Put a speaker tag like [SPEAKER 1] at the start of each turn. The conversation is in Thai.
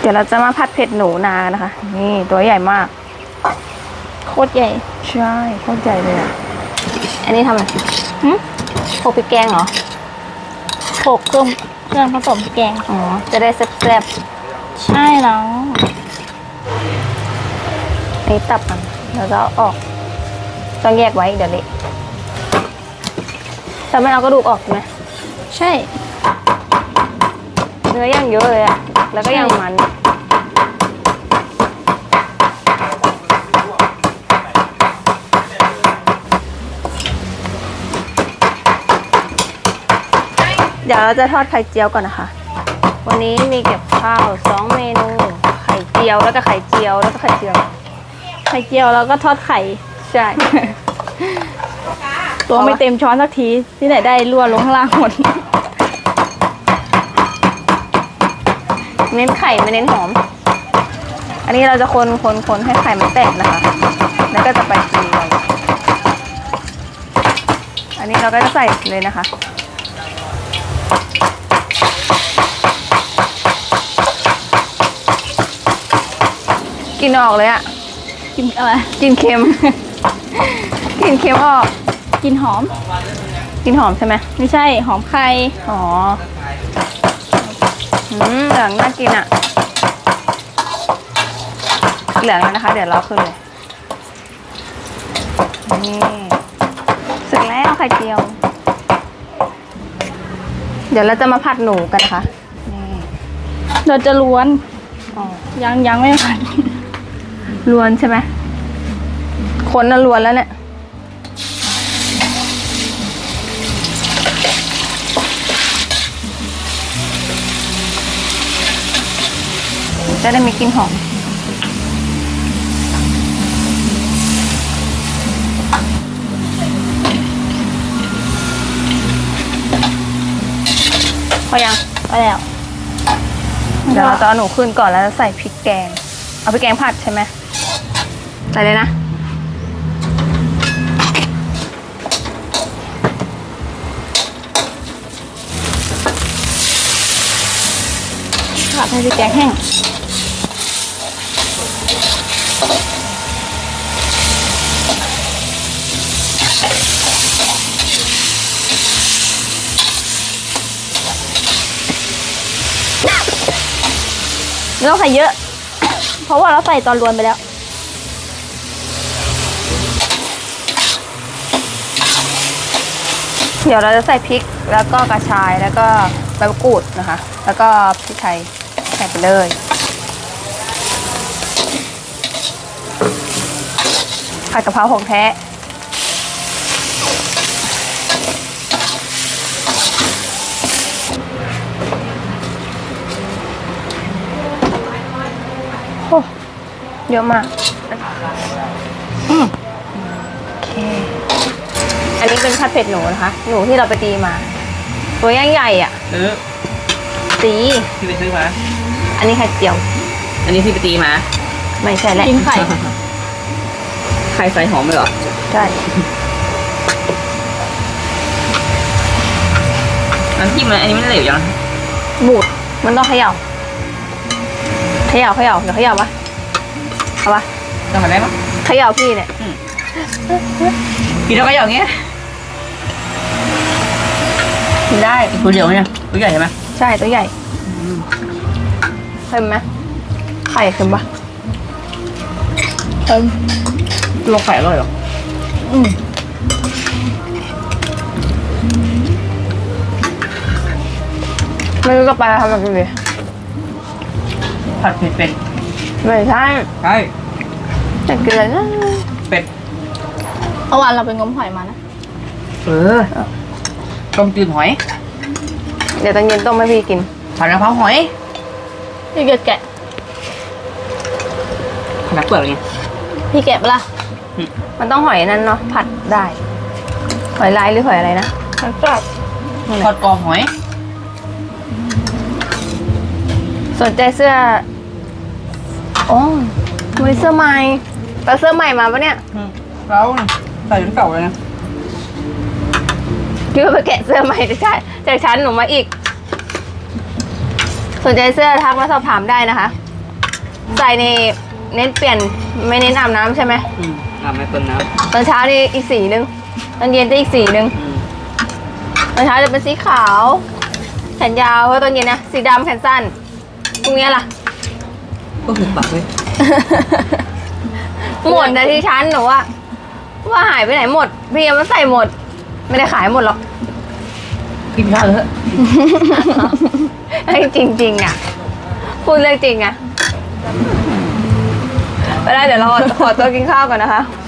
[SPEAKER 1] ดี๋ยวเราจะมาผัดเผ็ดหนูนานะคะนี่ตัวใหญ่มาก
[SPEAKER 2] โคตรใหญ่
[SPEAKER 1] ใช่โคตรใหญ่เลยอ่ะ
[SPEAKER 2] อันนี้ทำอะไรโขลกพริกแกงเหรอโขลกเครื่องผสมพริกแกง
[SPEAKER 1] อ๋อจะได้แซ่บ
[SPEAKER 2] ใช่แล้ว
[SPEAKER 1] อันนี้ตับมันแล้วก็ออกต้องแยกไว้เดี๋ยวเละถ้าไม่เอากระดูกออกไหม
[SPEAKER 2] ใช่
[SPEAKER 1] เนื้อย่างเยอะเลยอะแล้วก็ย่างมันเดี๋ยวเราจะทอดไข่เจียวก่อนนะคะวันนี้มีเก็บข้าว2 เมนูไข่เจียวแล้วก็ไข่เจียวแล้วก็ไข่เจียว
[SPEAKER 2] แล้วก็ทอดไข่
[SPEAKER 1] ใช่
[SPEAKER 2] ตัวไม่เต็มช้อนสักทีที่ไหนได้รั่วลงข้างล่างหมด
[SPEAKER 1] เน้นไข่ไม่เน้นหอมอันนี้เราจะคนให้ไข่มันแตกนะคะแล้วก็จะไปตีเลยอันนี้เราก็จะใส่เลยนะคะกินออกเลยอะ
[SPEAKER 2] กินอะไร
[SPEAKER 1] กินเค็ม กินเค็มออก
[SPEAKER 2] กินหอม
[SPEAKER 1] ใช่ไหม
[SPEAKER 2] ไม่ใช่หอมไข่
[SPEAKER 1] อ๋อเหลืองน่ากินอะเหลืองแล้วนะคะเดี๋ยวเราขึ้นเลยนี่เสร็จแล้วไข่เจียวเดี๋ยวเราจะมาผัดหนูกันนะคะนี่
[SPEAKER 2] เราจะล้วนยังไม่ผัด
[SPEAKER 1] ล้วนใช่ไหมคนน่ะล้วนแล้วเนี่ยจะได้มีกลิ่นหอมพอยัง
[SPEAKER 2] พอแล้ว
[SPEAKER 1] เดี๋ยวเราจะเอาหนูขึ้นก่อนแล้วใส่พริกแกงเอาพริกแกงผัดใช่ไหมใส่เลยนะ
[SPEAKER 2] ผัดให้พริกแกงแห้งไม่ต้องใส่เยอะเพราะว่าเราใส่ตอนรวนไปแล้ว
[SPEAKER 1] เดี๋ยวเราจะใส่พริกแล้วก็กระชายแล้วก็ใบมะกรูดนะคะแล้วก็พริกไทยใส่ไปเลยผัดกะเพราของแท้โอ้เยอะมากโอเคอันนี้เป็นผัดเผ็ดหนูนะคะหนูที่เราไปตีมาตัวย่างใหญ่อ่ะตี
[SPEAKER 3] ที่ไปซื้อมา
[SPEAKER 1] อันนี้ไข่เจียว
[SPEAKER 3] อันนี้ที่ไปตีมา
[SPEAKER 1] ไม่ใช่แหละ
[SPEAKER 2] กินไข่
[SPEAKER 3] ไข่ใส่หอมเลยเหรอ
[SPEAKER 1] ใช่
[SPEAKER 3] อันที่มันอันนี้มันเหลวยัง
[SPEAKER 1] บูดมันต้องเขย่าเดี๋ยวเขย่าปะเอาปะ
[SPEAKER 3] ทำอะไรมั้ง
[SPEAKER 1] เขย่าพี่เนี่ย
[SPEAKER 3] กินแล้วก็อย่างเงี้ย
[SPEAKER 1] กินได้
[SPEAKER 3] ตัวเดียวเนี่ยตัวใหญ่ใช่ไหม
[SPEAKER 1] ใช่ตัวใหญ่เค็มไหมไข่เค็มปะ
[SPEAKER 3] ตัวไข่อร่อยหรอ
[SPEAKER 1] ไม่รู้จะไปทำอะไรดี
[SPEAKER 3] ผัดเผ็ดเป็ด
[SPEAKER 1] ไม่ใช่อยากกินอะไรนะ
[SPEAKER 3] เป็ด
[SPEAKER 2] เมื่อวานเราไปงมหอยมานะ
[SPEAKER 3] ต้มจืดหอย
[SPEAKER 1] เดี๋ยวตอนเย็นต้มให้พี่กิน
[SPEAKER 3] ผัดกะเพราหอย
[SPEAKER 2] พี่แกะ
[SPEAKER 3] ขนาดเปลือกไง
[SPEAKER 2] พี่แกะปะล่ะ
[SPEAKER 1] มันต้องหอยนั่นเนาะผัดได้หอยลายหรือหอยอะไรนะ
[SPEAKER 2] หอยกรอบ
[SPEAKER 3] ทอดกรอบหอย
[SPEAKER 1] สนใจเสื้อโอ้มีเสื้อใหม่แต่เสื้อใหม่มาปะเนี่ย
[SPEAKER 3] เราใส่จนเก่าเลยนะ
[SPEAKER 1] คิดว่าไปแกะเสื้อใหม่จากชั้นหนูมาอีกสนใจเสื้อทักมาสอบถามได้นะคะใส่ในเน้นเปลี่ยนไม่เน้นอาบน้ำใช่ไหม
[SPEAKER 3] ไม่เปิดน้
[SPEAKER 1] ตอนเช้านี่อีกสีนึงตอนเย็นจะอีกสีนึง
[SPEAKER 3] ำ
[SPEAKER 1] ตอนเช้าจะเป็นสีขาวแขนยาวแล้วตอนเย็นนะสีดำแขนสั้นพรุ่งนี้ล่ะ
[SPEAKER 3] ก็หุบปากเลย
[SPEAKER 1] หมดนะที่ชั้นหนูว่าหายไปไหนหมดพี่ยังไม่ใส่หมด ไม่ได้ขายหมดหรอก
[SPEAKER 3] กินข้าวเถอะ
[SPEAKER 1] ไอ้จริงๆอ่ะพูดเรื่องจริงอ่ะไปได้เดี๋ยวเราขอตัวกินข้าวก่อนนะคะ